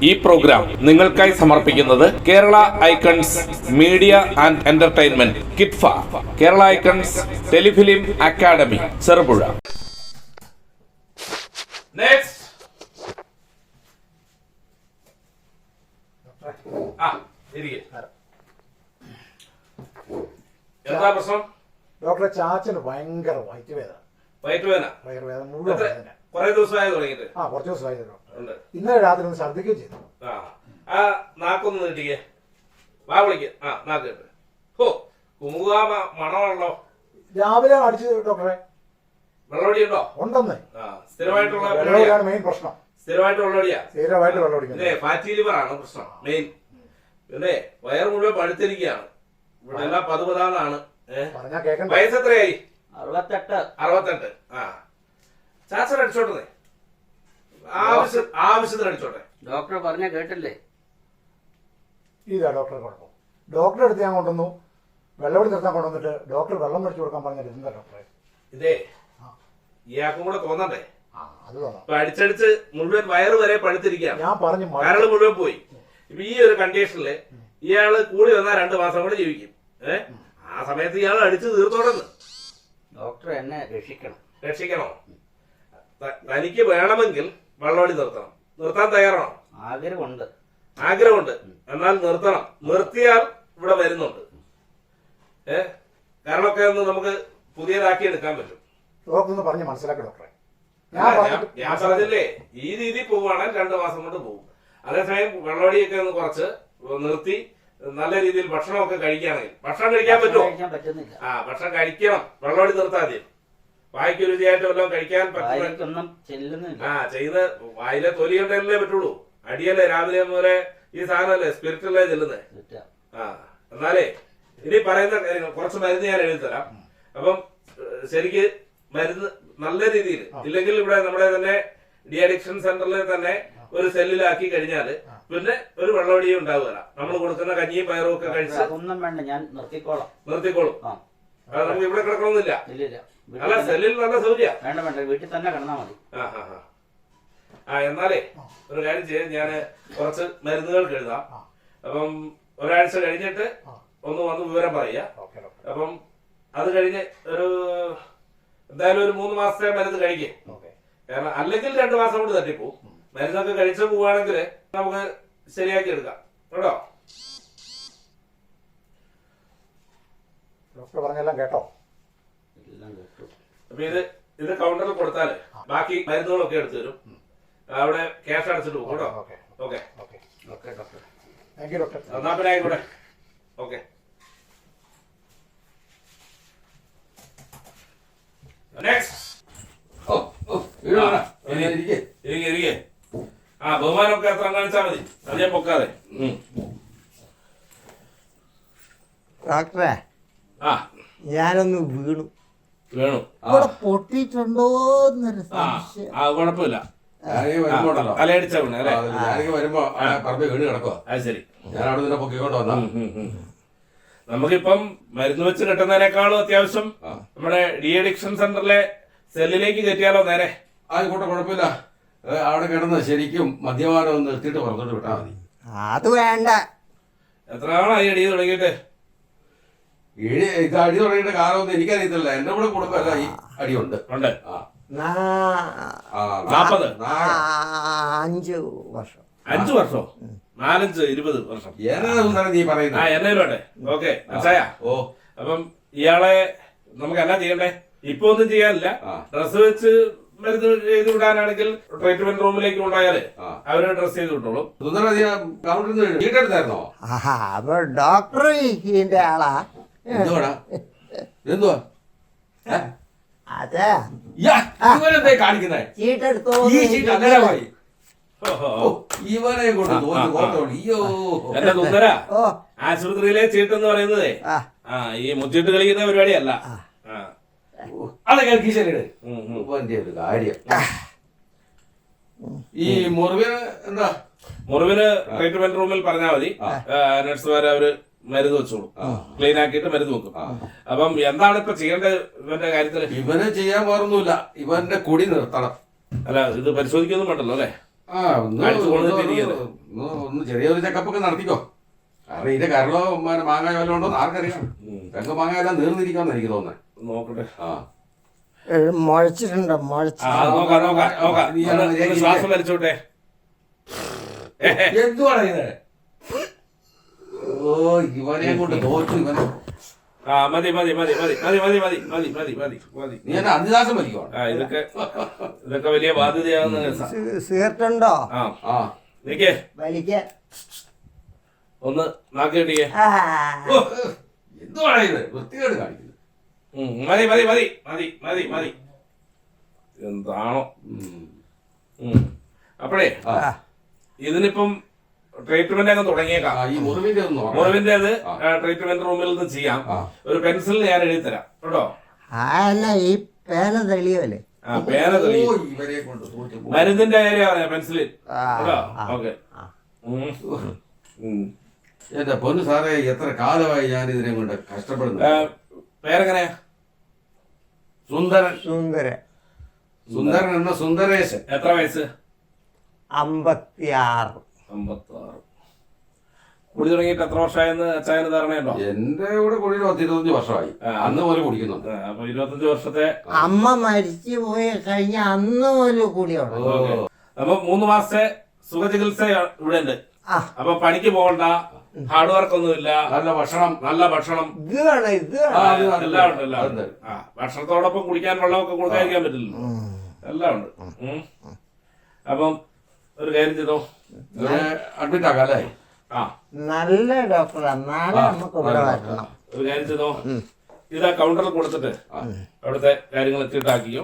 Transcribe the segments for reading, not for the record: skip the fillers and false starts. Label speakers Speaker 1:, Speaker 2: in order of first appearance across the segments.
Speaker 1: ഈ പ്രോഗ്രാം നിങ്ങൾക്കായി സമർപ്പിക്കുന്നത് Kerala icons media and entertainment കിറ്റ്ഫ, Kerala icons telefilm academy, Cherupuzha. എന്താ പ്രശ്നം?
Speaker 2: ഡോക്ടറെ, ചാച്ചന് ഭയങ്കര വയറ്റുവേദന മുഴുവൻ വേദന.
Speaker 1: കുറെ ദിവസമായി തുടങ്ങിയിട്ട്.
Speaker 2: കുറച്ച് ദിവസമായി ഡോക്ടർ. ഇന്നലെ രാത്രി ഒന്ന് ഛർദ്ദിക്കുകയും ചെയ്തു.
Speaker 1: നാക്കൊന്ന് നീട്ടിക്കേ, വാ വിളിക്ക. നാക്ക് ഓ കുമുക മണമാണല്ലോ.
Speaker 2: രാവിലെ അടിച്ചു ഡോക്ടറെ.
Speaker 1: വെള്ളമടി ഉണ്ടോ?
Speaker 2: ഉണ്ടെന്നേ.
Speaker 1: സ്ഥിരമായിട്ടുള്ള
Speaker 2: മെയിൻ പ്രശ്നം.
Speaker 1: സ്ഥിരമായിട്ട് വെള്ളമടിയാ.
Speaker 2: സ്ഥിരമായിട്ട് വെള്ളം അടിക്കുന്നത്
Speaker 1: ഫാറ്റി ലിവർ ആണ് പ്രശ്നം മെയിൻ. പിന്നെ വയറ് മുഴുവൻ പഴുത്തിരിക്കുകയാണ്. ഇവിടെ എല്ലാം പതുപതാന്നാണ്. വയസ്സ് എത്രയായി? 68. ചാച്ചൻ അടിച്ചോട്ടെ, ആവശ്യത്തിന് അടിച്ചോട്ടെ.
Speaker 3: ഡോക്ടർ പറഞ്ഞ കേട്ടില്ലേ?
Speaker 2: ഇതാ ഡോക്ടറെ കുഴപ്പം. ഡോക്ടറെ അടുത്ത് ഞാൻ കൊണ്ടുവന്നു, വെള്ളമടി നിർത്താൻ കൊണ്ടുവന്നിട്ട് ഡോക്ടർ വെള്ളം മേടിച്ചു കൊടുക്കാൻ പറഞ്ഞിട്ട് എന്താ ഡോക്ടറെ?
Speaker 1: ഇതേ ഇയാൾക്കും കൂടെ തോന്നണ്ടേ?
Speaker 2: അത് തോന്നാം.
Speaker 1: അടിച്ചടിച്ച് മുഴുവൻ വയറ് വരെ പഴുത്തിരിക്കുകയാണ്.
Speaker 2: ഞാൻ പറഞ്ഞു
Speaker 1: കരള് മുഴുവൻ പോയി. ഇപ്പൊ ഈ ഒരു കണ്ടീഷനില് ഇയാള് കൂടി വന്നാൽ 2 മാസം കൂടെ ജീവിക്കും. ആ സമയത്ത് ഇയാൾ അടിച്ചു തീർത്തോടെന്ന്.
Speaker 3: ഡോക്ടർ എന്നെ
Speaker 1: രക്ഷിക്കണോ? തനിക്ക് വേണമെങ്കിൽ വെള്ളമടി നിർത്തണം. നിർത്താൻ തയ്യാറാണോ? ആഗ്രഹമുണ്ട്. എന്നാൽ നിർത്തണം. നിർത്തിയാൽ ഇവിടെ വരുന്നുണ്ട്. കാരണമൊക്കെ ഒന്ന് നമുക്ക് പുതിയതാക്കി എടുക്കാൻ പറ്റും.
Speaker 2: ഡോക്ടർ പറഞ്ഞ് മനസ്സിലാക്കി ഡോക്ടറെ.
Speaker 1: ഞാൻ പറഞ്ഞില്ലേ, ഈ രീതി പോവുകയാണെങ്കിൽ 2 മാസം കൊണ്ട് പോകും. അതേസമയം വെള്ളമടിയൊക്കെ ഒന്ന് കുറച്ച് നിർത്തി നല്ല രീതിയിൽ ഭക്ഷണമൊക്കെ കഴിക്കുകയാണെങ്കിൽ, ഭക്ഷണം കഴിക്കാൻ പറ്റുമോ? ഭക്ഷണം കഴിക്കണം. വെള്ളമടി നിർത്താൻ മതി. വായിക്ക് രുചിയായിട്ട് വല്ലതും കഴിക്കാൻ പറ്റുന്ന ചെയ്യുന്ന വായിലെ തൊലി കൊണ്ടല്ലേ പറ്റുള്ളൂ. അടിയല്ലേ രാവിലെ മുതലേ ഈ സാധനമല്ലേ സ്പിരിറ്റല്ലേ ചെല്ലുന്നേ. എന്നാലേ ഇനി പറയുന്ന കാര്യങ്ങൾ കുറച്ച് മരുന്ന് ഞാൻ എഴുതി തരാം. അപ്പം ശരിക്ക് മരുന്ന് നല്ല രീതിയിൽ ഇല്ലെങ്കിൽ ഇവിടെ നമ്മുടെ തന്നെ ഡി അഡിക്ഷൻ സെന്ററിൽ തന്നെ ഒരു സെല്ലിലാക്കി കഴിഞ്ഞാല് പിന്നെ ഒരു വെള്ളമടിയും ഉണ്ടാവുകയില്ല. നമ്മൾ കൊടുക്കുന്ന കഞ്ഞിയും പയറും ഒക്കെ കഴിച്ച്
Speaker 3: ഒന്നും വേണ്ട, ഞാൻ നിർത്തിക്കോളും.
Speaker 1: നമുക്ക് ഇവിടെ കിടക്കണമെന്നില്ല. അല്ല, സെല്ലിൽ നല്ല സൗകര്യ.
Speaker 3: വേണ്ട, വീട്ടിൽ തന്നെ കിടന്നാ മതി.
Speaker 1: എന്നാലേ ഒരു കാര്യം ചെയ്യാൻ, ഞാൻ കുറച്ച് മരുന്നുകൾക്ക് എഴുതാം. അപ്പം ഒരാഴ്ച കഴിഞ്ഞിട്ട് ഒന്ന് വന്ന് വിവരം പറയുക. അപ്പം അത് കഴിഞ്ഞ് എന്തായാലും ഒരു 3 മാസത്തെ മരുന്ന് കഴിക്കേ. കാരണം അല്ലെങ്കിൽ 2 മാസം കൊണ്ട് തട്ടിപ്പോവും. മരുന്നൊക്കെ കഴിച്ചു പോവുകയാണെങ്കിൽ നമുക്ക് ശരിയാക്കി എടുക്കാം കേട്ടോ.
Speaker 2: ഡോക്ടർ പറഞ്ഞെല്ലാം കേട്ടോ?
Speaker 1: അപ്പൊ ഇത് കൗണ്ടറിൽ കൊടുത്താല് ബാക്കി മരുന്നുകളൊക്കെ എടുത്തു തരും. അവിടെ ക്യാഷ് അടച്ചിട്ട് പോകും കേട്ടോ. Okay
Speaker 2: doctor. Thank you doctor.
Speaker 1: എന്നാ പിന്നെ ആയിക്കോട്ടെ. ഓക്കെ. ബഹുമാനമൊക്കെ എത്ര കാണിച്ചാൽ മതി, അധികം പൊക്കാതെ.
Speaker 4: ഡോക്ടറെ, ഞാനൊന്ന് വീണു. ഇവിടെ പൊട്ടിയിട്ടുണ്ടോന്നൊരു സംശയം.
Speaker 1: കുഴപ്പമില്ല. തലയടിച്ച വീണ് അല്ലേ?
Speaker 5: വരുമ്പോ വീണ് കിടക്കുക.
Speaker 1: അത് ശരി.
Speaker 5: ഞാൻ അവിടെ നിന്ന് പൊക്കിക്കൊണ്ട് വന്ന.
Speaker 1: നമുക്കിപ്പം മരുന്ന് വെച്ച് കിട്ടുന്നതിനേക്കാളും അത്യാവശ്യം നമ്മുടെ ഡി അഡിക്ഷൻ സെന്ററിലെ സെല്ലിലേക്ക് കയറ്റിയാലോ നേരെ?
Speaker 5: ആയിക്കോട്ടെ, കുഴപ്പമില്ല. അവിടെ കിടന്ന് ശരിക്കും മദ്യപാനം ഒന്ന് നിർത്തിയിട്ട് പറഞ്ഞോട്ട് വിട്ടാ മതി.
Speaker 4: അത് വേണ്ട.
Speaker 1: എത്ര നാളായി അടി തുടങ്ങിയിട്ട്?
Speaker 5: ഇത് അടി തുടങ്ങിയിട്ട് കാലമൊന്നും എനിക്കറിയത്തില്ല. എന്റെ കൂടെ കുടുംബമല്ല ഈ അടിയുണ്ട്.
Speaker 4: 40 വർഷം.
Speaker 1: 5 വർഷോ? 4-20 വർഷം.
Speaker 5: എന്നാ നീ പറയുന്നത്?
Speaker 1: എന്നോട്ടെ. ഓക്കെ, മനസ്സിലായ? അപ്പം ഇയാളെ നമുക്ക് എന്നാ ചെയ്യണ്ടേ? ഇപ്പൊ ഒന്നും ചെയ്യാനില്ല. ഡ്രസ് വെച്ച് മരുന്ന് ചെയ്ത് വിടാനാണെങ്കിൽ ട്രീറ്റ്മെന്റ് റൂമിലേക്ക് കൊണ്ടായാലേ അവര് ഡ്രസ് ചെയ്ത് വിട്ടോളും.
Speaker 5: വീട്ടെടുത്തായിരുന്നോ?
Speaker 4: അപ്പൊ ഡോക്ടർ ഇതിന്റെ ആളാ?
Speaker 5: എന്തുവാ
Speaker 4: അതെ
Speaker 5: കാണിക്കുന്നേ?
Speaker 4: ചീട്ടെടുത്തോ?
Speaker 5: ഇവനെ കൊണ്ട്
Speaker 1: എന്റെ സുന്ദര, ആശുപത്രിയിലെ ചീട്ടെന്ന് പറയുന്നതേ ഈ മുച്ചിട്ട് കളിക്കുന്ന പരിപാടിയല്ല.
Speaker 5: അതൊക്കെ ഒരു കാര്യം. ഈ മുറിവിന് എന്താ?
Speaker 1: മുറിവിന് ട്രീറ്റ്മെന്റ് റൂമിൽ പറഞ്ഞാൽ മതി. നഴ്സുമാരെ അവര് മരുന്ന് വെച്ചോളൂ. ക്ലീൻ ആക്കിയിട്ട് മരുന്ന് വെക്കും. അപ്പം എന്താണ് ഇപ്പൊ ചെയ്യേണ്ടത് ഇവന്റെ കാര്യത്തില്?
Speaker 5: ഇവന് ചെയ്യാൻ വേറൊന്നുമില്ല. ഇവന്റെ കുടി നിർത്തണം.
Speaker 1: അല്ല, ഇത് പരിശോധിക്കൊന്നും വേണ്ടല്ലോ അല്ലേ?
Speaker 5: ആ ഒന്ന്
Speaker 1: അടിച്ചു കൊണ്ടിരിക്കുന്നത്.
Speaker 5: ഒന്ന് ചെറിയൊരു ചെക്കപ്പൊക്കെ നടത്തിക്കോ. കാരണം ഇതിന്റെ കരളോ മാങ്ങ വല്ലതും ഉണ്ടോ എന്ന് ആർക്കറിയാം. തെങ്ങ് മാങ്ങ എല്ലാം നീർന്നിരിക്കാന്ന് എനിക്ക് തോന്നുന്നത്.
Speaker 1: നോക്കട്ടെ.
Speaker 5: ആ
Speaker 4: മുഴച്ചിട്ടുണ്ടോ
Speaker 1: ആ,
Speaker 4: മുഴച്ച്
Speaker 1: നോക്കാം നോക്കാം നോക്കാം. ഒന്ന് ശ്വാസം വലിച്ചോട്ടെ.
Speaker 5: എന്തുവാണ് ഇത്? ഓ ഇവനെ കൊണ്ട് തോറ്റു ഇവനെ.
Speaker 1: ആ മതി മതി മതി മതി മതി മതി മതി മതി മതി മതി മതി.
Speaker 5: നീ എന്നെ അന്തിദാസം വലിക്കുവാണ്.
Speaker 1: ആ ഇതൊക്കെ വലിയ ബാധ്യതയാകുന്ന കേസാ.
Speaker 4: സിഗരറ്റ് ഉണ്ടോ
Speaker 1: ആ
Speaker 5: ആ
Speaker 1: നിക്കേ
Speaker 4: വലിക്കാൻ
Speaker 1: ഒന്ന് നാക്കിട്ടിയേ.
Speaker 5: എന്തുവാണ് ഇത്? വൃത്തികേട് കാണിക്കുന്നത്.
Speaker 1: മതി മതി മതി മതി മതി മതി. എന്താണോ അപ്പോഴേ ഇതിനിപ്പം ട്രീറ്റ്മെന്റ് അങ്ങ് തുടങ്ങിയേക്കാം.
Speaker 5: ഈ മുറിവിന്റെ ഒന്ന് നോക്കണം.
Speaker 1: മുറിവിന്റേത് ട്രീറ്റ്മെന്റ് റൂമിൽ നിന്ന് ചെയ്യാം. ഒരു പെൻസിൽ ഞാൻ എഴുതി തരാം കേട്ടോ.
Speaker 4: അല്ല ഈ പേന തെളിയല്ലേ
Speaker 1: ആ പേന തെളി.
Speaker 5: ഓ, ഇവരെ കൊണ്ട് തോറ്റു.
Speaker 1: മരുന്നിന്റെ കാര്യം പറയാം പെൻസിലിൽ കേട്ടോ. ഓക്കെ.
Speaker 5: എന്റെ പൊന്നു സാറേ, എത്ര കാലമായി ഞാൻ ഇതിനെ കൊണ്ട് കഷ്ടപ്പെടുന്നു.
Speaker 1: പേരെങ്ങനെയാ?
Speaker 5: സുന്ദരൻ.
Speaker 4: സുന്ദരൻ
Speaker 5: സുന്ദരൻ എന്ന സുന്ദരേശൻ.
Speaker 1: എത്ര വയസ്സ്?
Speaker 4: 56.
Speaker 1: 56. കുടി തുടങ്ങിയിട്ട് എത്ര വർഷമായെന്ന് അച്ചായന് ധാരണയുണ്ടോ?
Speaker 5: എന്റെ കൂടെ കൂടി 10-25 വർഷമായി. അന്ന് പോലെ കുടിക്കുന്നുണ്ട്.
Speaker 1: അപ്പൊ 25 വർഷത്തെ.
Speaker 4: അമ്മ മരിച്ചു പോയി കഴിഞ്ഞ അന്ന് ഒരു കൂടിയുണ്ട്.
Speaker 1: അപ്പൊ 3 മാസത്തെ സുഖചികിത്സ ഇവിടെ ഉണ്ട്.
Speaker 4: ആ.
Speaker 1: അപ്പൊ പണിക്ക് പോകണ്ട, ഹാർഡ് വർക്ക് ഒന്നുമില്ല,
Speaker 5: നല്ല ഭക്ഷണം.
Speaker 1: നല്ല ഭക്ഷണം
Speaker 4: ഇത് വേണം ഇത്
Speaker 1: ആ,
Speaker 4: വേണം.
Speaker 1: എല്ലാം ഉണ്ട് എല്ലാം ഉണ്ട്. ആ ഭക്ഷണത്തോടൊപ്പം കുടിക്കാൻ വെള്ളമൊക്കെ കൊടുക്കാതിരിക്കാൻ പറ്റില്ലല്ലോ. എല്ലാം ഉണ്ട്. അപ്പം ഒരു കാര്യം ചെയ്തോ,
Speaker 5: അഡ്മിറ്റ് ആക്കാം അല്ലേ?
Speaker 1: ആ
Speaker 4: നല്ല ഡോക്ടറാ. നാളെ നമുക്ക് ഇവിടെ വരണം.
Speaker 1: ഒരു കാര്യം ചെയ്തോ, ഇതാ കൗണ്ടറിൽ കൊടുത്തിട്ട് അവിടുത്തെ കാര്യങ്ങൾ എത്തിയിട്ടാക്കിയോ.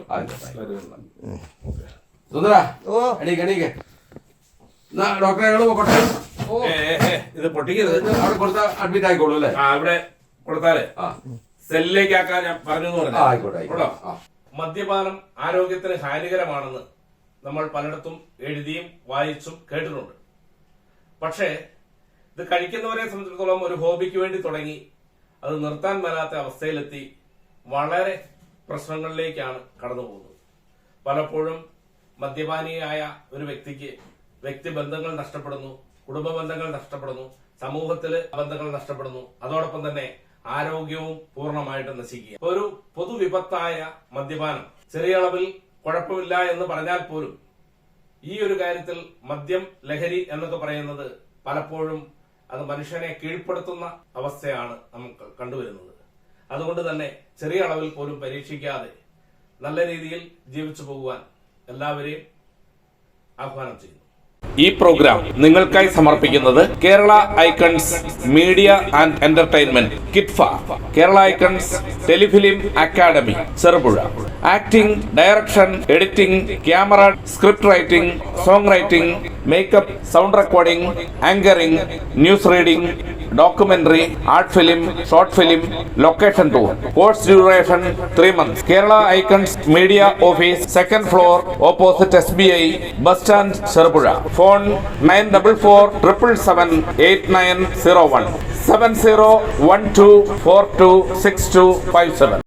Speaker 5: സുന്ദര
Speaker 4: ഓ
Speaker 5: എണീക്ക് എണീക്ക്. ഡോക്ടറെ ഞങ്ങൾ പോട്ടെ.
Speaker 1: ഇത് പൊട്ടിക്കരുത്.
Speaker 5: അവിടെ കൊടുത്താൽ അഡ്മിറ്റ് ആയിക്കോളൂ അല്ലേ?
Speaker 1: ആ ഇവിടെ കൊടുത്താലേ
Speaker 5: ആ
Speaker 1: സെല്ലിലേക്ക് ആക്കാൻ ഞാൻ പറഞ്ഞു പറഞ്ഞു.
Speaker 5: ആയിക്കോട്ടെ ആയിക്കോട്ടെ. ആ
Speaker 1: മദ്യപാനം ആരോഗ്യത്തിന് ഹാനികരമാണെന്ന് നമ്മൾ പലയിടത്തും എഴുതിയും വായിച്ചും കേട്ടിട്ടുണ്ട്. പക്ഷേ ഇത് കഴിക്കുന്നവരെ സംബന്ധിച്ചിടത്തോളം ഒരു ഹോബിക്ക് വേണ്ടി തുടങ്ങി അത് നിർത്താൻ മേലാത്ത അവസ്ഥയിലെത്തി വളരെ പ്രശ്നങ്ങളിലേക്കാണ് കടന്നു പോകുന്നത്. പലപ്പോഴും മദ്യപാനിയായ ഒരു വ്യക്തിക്ക് വ്യക്തിബന്ധങ്ങൾ നഷ്ടപ്പെടുന്നു, കുടുംബ ബന്ധങ്ങൾ നഷ്ടപ്പെടുന്നു, സമൂഹത്തിലെ ബന്ധങ്ങൾ നഷ്ടപ്പെടുന്നു, അതോടൊപ്പം തന്നെ ആരോഗ്യവും പൂർണ്ണമായിട്ട് നശിക്കുക. ഒരു പൊതുവിപത്തായ മദ്യപാനം ചെറിയ അളവിൽ കുഴപ്പമില്ല എന്ന് പറഞ്ഞാൽ പോലും ഈ ഒരു കാര്യത്തിൽ മദ്യം, ലഹരി എന്നൊക്കെ പറയുന്നത് പലപ്പോഴും അത് മനുഷ്യനെ കീഴ്പ്പെടുത്തുന്ന അവസ്ഥയാണ് നമുക്ക് കണ്ടുവരുന്നത്. അതുകൊണ്ട് തന്നെ ചെറിയ അളവിൽ പോലും പരീക്ഷിക്കാതെ നല്ല രീതിയിൽ ജീവിച്ചു പോകുവാൻ എല്ലാവരെയും ആഹ്വാനം ചെയ്യുന്നു. ഈ പ്രോഗ്രാം നിങ്ങൾക്കായി സമർപ്പിക്കുന്നത് Kerala icons media and entertainment കിറ്റ്ഫ, Kerala icons telefilm academy Cherupuzha. Acting, direction, editing, camera, script writing, song writing, makeup, sound recording, anchoring, news reading, documentary, art film, short film, location tour. Course duration 3 months. Kerala Icons Media Office, 2nd floor, opposite SBI, Bus Stand, Cheruppuzha. Phone 9447778901 7012426257.